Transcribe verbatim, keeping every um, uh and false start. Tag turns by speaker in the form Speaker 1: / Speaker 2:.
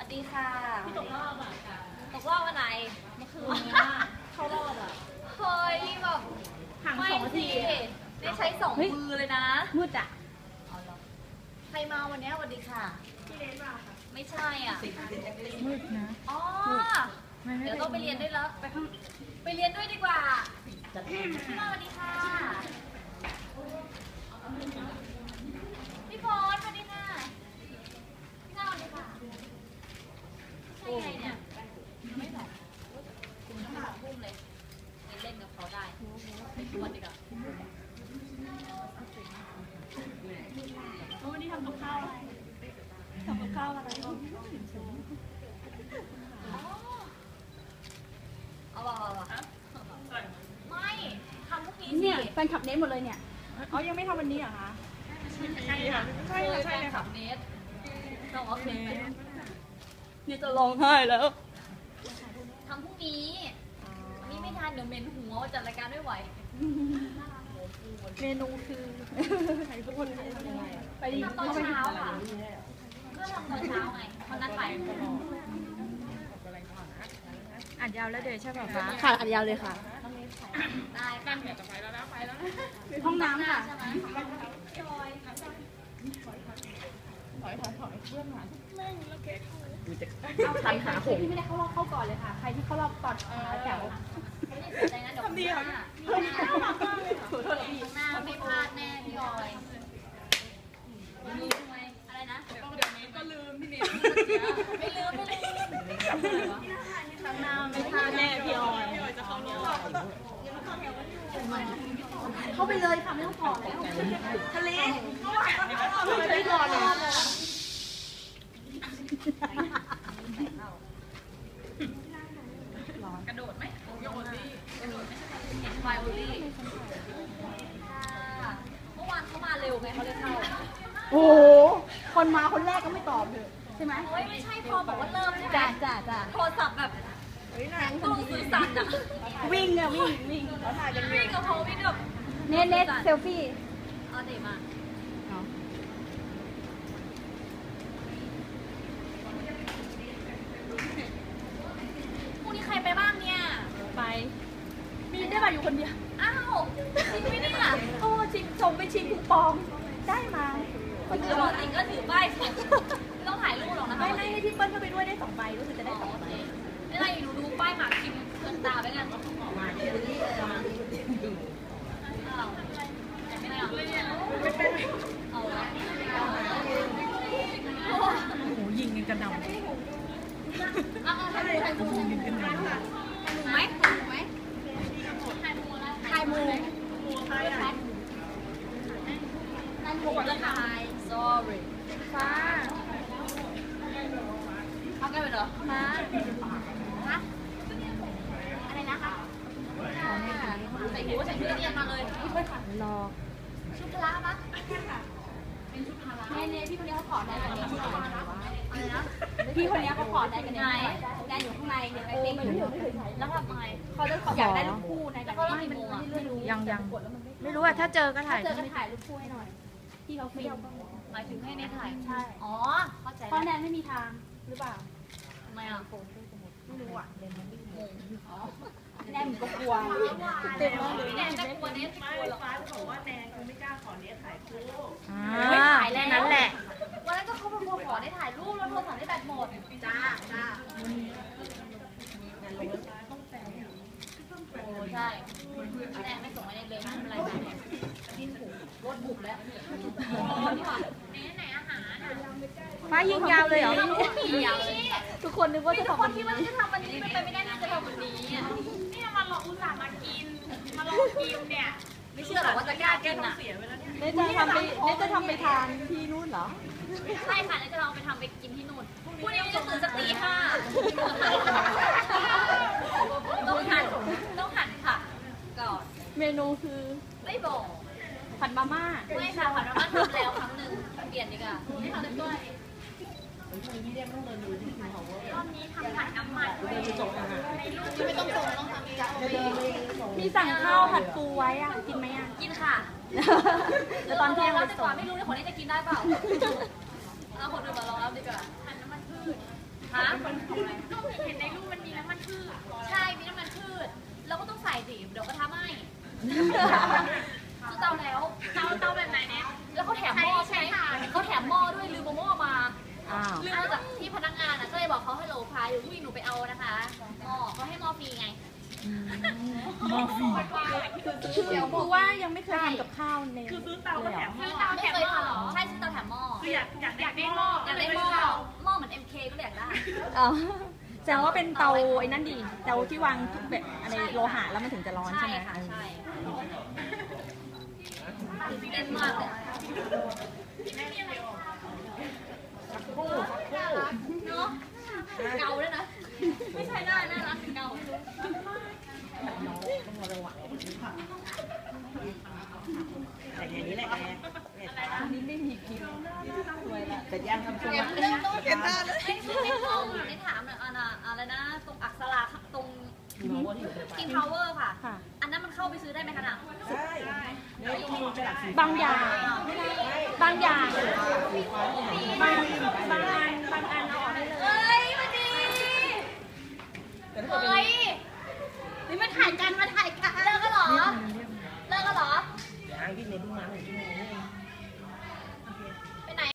Speaker 1: ดีค่ะ
Speaker 2: พี่ตกรอบอ่ะ
Speaker 1: ตกรอบวันไหน
Speaker 2: เมื่อคืนนี้เข้ารอบอ่ะ
Speaker 1: เฮ้ยแบบ
Speaker 2: ห่างสองนาที
Speaker 1: ได้ใช้สองมือเลยนะ
Speaker 2: มืดอ่ะ
Speaker 1: ใครมาวันนี้สวัสดีค่ะ
Speaker 2: พี่เลนมาค่ะ
Speaker 1: ไม่ใช่อ่ะ
Speaker 2: มืดนะ
Speaker 1: อ๋อเดี๋ยวต้องไปเรียนด้วยแล้วไปข้างไปเรียนด้วยดีกว่าพี่มาสวัสดีค่ะพี่พรสวัสดีค่ะพี่นาสวัสดีค่ะใช่ไงเนี่ยไม่หรอกคุณต้องมาพุ่มเลยเล่นกับเขาได้ไปชวนดีกว่า
Speaker 2: วันนี้ทำกับข้าวอะไรทำกับข้าวอะไร
Speaker 1: เอาบอกเอาบอกไม่ทำพวกนี้
Speaker 2: เนี่ยแฟนคลับเน้นหมดเลยเนี่ยอ๋อยังไม่ทำวันนี้เหรอคะ
Speaker 1: ใช่ค่ะใช่ค่ะใช่เลยค่ะเนสต้องโอเค
Speaker 2: นี่จะร้องไห้แล้ว
Speaker 1: ทำพรุ่งนี้นี่ไม่ทันเดี๋ยวเมนหัวจัดรายการไม่ไหว
Speaker 2: เมนูคือใครทุกคนทำยังไงไป
Speaker 1: ทำตอนเช้าค่ะก็ทำตอนเช้าไงเขานัดไป
Speaker 2: อัดยาวแล้วเดี๋ยวใช่ป่ะคะค่ะอัดยาวเลยค่ะ
Speaker 1: ได้กันเดี๋ยวจะไปแล้วนะไปแล้ว
Speaker 2: ห้องน้ำค่ะ
Speaker 1: ใช่ไหมจอยถ
Speaker 2: อยถอยถอยเพื่อนมาแม่งแล้วเค้กเอาใครหาผมที่ไม่ได้เข้ารอบเข้าก่อนเลยค่ะใครที่เข้ารอบก่อนแถว
Speaker 1: ทำดีค่ะ
Speaker 2: ขอโทษพี่
Speaker 1: หน้าไม่พลาดแน่พี่ออยลืมไหมอะไรนะเดี๋ยวนี้ก็ลืมพี่เนยไม่ลืมไม่ลืมข้างหน้าไม่พลาดแน่พี่ออยพี่ออยจะเข้ารอบ
Speaker 2: เข้าไปเลยค่ะไม่ต้องก่อนแล้วทะเลไม่ก่อนเลย
Speaker 1: กระโดดไหมโยนดิกระโดดไม่ใช่เห็นไฟโอลี่เมื่อวานเขามาเร็วไงเขาเลยเข้า
Speaker 2: โอ้คนมาคนแรกก็ไม่ตอบเลยใช่ไหม
Speaker 1: โอ้ยไม่ใช่พอบอกว่าเริ่มใช่ไหม
Speaker 2: จ้าจ้าจ้า
Speaker 1: โทรศัพท์แบบตู้สื่อสารอะ
Speaker 2: วิ่งอะวิ่งวิ่งเขาถ่ายกัน
Speaker 1: วิ่งกับเขาวิ่งแบบ
Speaker 2: เน็ตเน็ตเซลฟี่
Speaker 1: เอาเด็กมาพรุ่งนี้ใครไปบ้างเนี่ย
Speaker 2: ไปมีได้มาอยู่คนเดียว
Speaker 1: อ้าวจริงไหมเนี่ย
Speaker 2: โอ้ชิงส่งไปชิงคูปองได้มา
Speaker 1: คนอื่นจริงก็ถือป้ายไม่ต้องถ่ายรูปหรอกนะคะ
Speaker 2: ไม่ไม่ให้พี่เปิ้ลเข้าไปด้วยได้สองใบรู้สึกจะได้สองใบ
Speaker 1: ไม่ไรหนูดูป้ายหมากคิมเกินตาไปกัน
Speaker 2: โอ้โหยิงกันกระหน่ำ
Speaker 1: เอาเอาถ่ายถ่ายมูถ่ายมูไหมถ่ายมูไหมถ่ายมูถ่ายมูถ่ายถ่ายนั่นมูจะถ่าย sorry
Speaker 2: ฟ้า
Speaker 1: เอากันไปเหรอ
Speaker 2: มา
Speaker 1: ฮะอะไรนะคะใส่หูใส่ชุดเรียนมาเลยพี่เพื่อนค่ะ
Speaker 2: รอ
Speaker 1: ชุดพละปะเป็นชุดพละ
Speaker 2: เนเน่พี่คนนี้เขาขอได้กันเนี่ย
Speaker 1: อะไรนะ
Speaker 2: พี่คนนี้เขาขอได้กัน
Speaker 1: เนี่ย
Speaker 2: แนนอยู่ข้างในเนี่ยไปปิ้ง
Speaker 1: แล้วทำไง
Speaker 2: เขาจะอยากได้รูปคู่ในแต่
Speaker 1: ไม่ไม่รู้
Speaker 2: ยังยังไม่รู้อะถ้าเจอก็ถ่ายเจอก็ถ่ายรูปคู่ให้หน่อยพี่เขาฟิล
Speaker 1: หมายถึงให้ในถ่ายใช่อ๋อเข้าใจ
Speaker 2: เพราะแนนไม่มีทางหรือเปล่า
Speaker 1: ทำไมอ่ะ
Speaker 2: ไม่รู้อ่ะเรียนมันไม่งงแนนก็กลัว
Speaker 1: เต็มเลยแนนจะกลัวเนสกลัวหรอ
Speaker 3: ฟ้าบอกว่าแนนคงไม่กล้าขอเนสถ่ายคู่
Speaker 2: ไม่ถ่ายแล้วนั่นแหละ
Speaker 1: วันนั้นก็เขาเป็นคนขอได้ถ่ายรูปแล้วโทรศัพท์ได้แบตหมดจ้าจ้าโอ้ใช่แนนไม่ส่งมาเลยไม่เป็นไรแนนดิ้นถูกรถบุกแล้วเนสไหนอาหาร
Speaker 2: ฟ้ายิงยาวเลยเหรอทุกคนนึกว่าจะ
Speaker 1: ทำวันนี้มันจะทำวันนี้เป็นไปไม่ได้ที่จะทำวันนี้
Speaker 3: นี่มาลองอุตส่าห์มากินมาลองกินเนี่ย
Speaker 1: ไม่เชื่อหรอกว่าจะกล้ากินอ่ะ
Speaker 2: เนจะทำไปเนจะทำไปทานที่นู่นเหรอ
Speaker 1: ใช่ค่ะเนจะลองไปทำไปกินที่นู่นพรุ่งนี้จะตื่นสักตีห้าต้องหั่นต้องหั่นค่ะก่อน
Speaker 2: เมนูคือ
Speaker 1: ไม่บอก
Speaker 2: ผัดมาม่า
Speaker 1: ไม่ค่ะผัดมาม่าทำแล้วครั้งหนึ่งเปลี่ยนดีกว่าไม่ทำด้วย
Speaker 3: รอบนี้ทำผัดน้ำมันในรูป
Speaker 1: ไม่ต้องส่งต้องทำเอง
Speaker 2: มีสั่งข้าวผัดปูไว้อ่ะกินไหมอ่ะ
Speaker 1: กินค่ะ
Speaker 2: แล้วตอนเที่ยงเรา
Speaker 1: จะก่อนไม่รู้เลยคนนี้จะกินได้เปล่าเอาคนอื่นมาลองรับดีกว่า
Speaker 3: ผัดน้ำมันพืช
Speaker 1: ฮะ
Speaker 3: ก็เห็นในรูปมันมีน้ำมันพืช
Speaker 1: ใช่ มีน้ำมันพืชเราก็ต้องใส่สิเดี๋ยวก็ทำให้ซื้อเตาแล้ว
Speaker 3: เตาเตาแบบไหนเนี่ย
Speaker 1: แล้วเขาแถมหม้อใช่ไหมเขาแถมหม้อด้วยลืมเอาหม้อมา
Speaker 2: อ้าว
Speaker 1: ลืมมาจากที่พนักงานอ่ะก็เลยบอกเขาให้โหลพายอยู่ที่หนูไปเอานะคะหม้อเขาให้หม้อฟรีไง
Speaker 2: มอฟีคือคือว่ายังไม่เคยทำกับข้าวใน
Speaker 3: คือซื้อเตาก็แถมหม้
Speaker 1: ซื้
Speaker 3: อ
Speaker 1: อเตาไม่เคยทำใช่ซื้อเตาแถมหม้อ
Speaker 3: คืออยากอยากอยากได้หม้อ
Speaker 1: อยากได้หม้อหม้อเหมือน เอ็ม เค ก็เลยอยากได้
Speaker 2: อ๋อแสดงว่าเป็นเตาไอ้นั่นดีเตาที่วางทุกแบบอะไรโลหะแล้วมันถึงจะร้อน
Speaker 1: ใช่
Speaker 2: ใช่ไหม
Speaker 1: ค่ะใช่ตื่นเต้นมากเลย
Speaker 2: สักครู่สักครู่
Speaker 1: เนาะเกาด้วยนะ ไม่ใช่หน้าหน้ารักเกา
Speaker 4: แต่อย่างนี้แหละแกเนี่ย
Speaker 2: อันนี้ไม่มีคลิปสวยละ
Speaker 4: แต่ย่างทำช่วง
Speaker 1: เริ่มต้นเก็บหน้าเลยไม่ไม่เขาไม่ถามหน่อยอันน่ะอะไรนะตรงอักษราตรง King Power ค่ะ
Speaker 2: ค่ะ
Speaker 1: อันนั้นมันเข้าไปซื้อได้ไหมคะน่ะ
Speaker 4: ใช่เนี่ยต้องมีกระดาษสี
Speaker 2: บางอย่างบางอย่างบางบางอันบางอันเอาออกได้เลย
Speaker 1: เฮ้ยมาดี
Speaker 4: แต่ถ้าเกิดเป็น
Speaker 1: เฮ้ยนี่มาถ่ายกันมาถ่ายกันเลิกกันเหรอ เลิกกันเหรอ
Speaker 4: ย่างที่เน้นเพิ่งมาหนึ่งชั่วโมง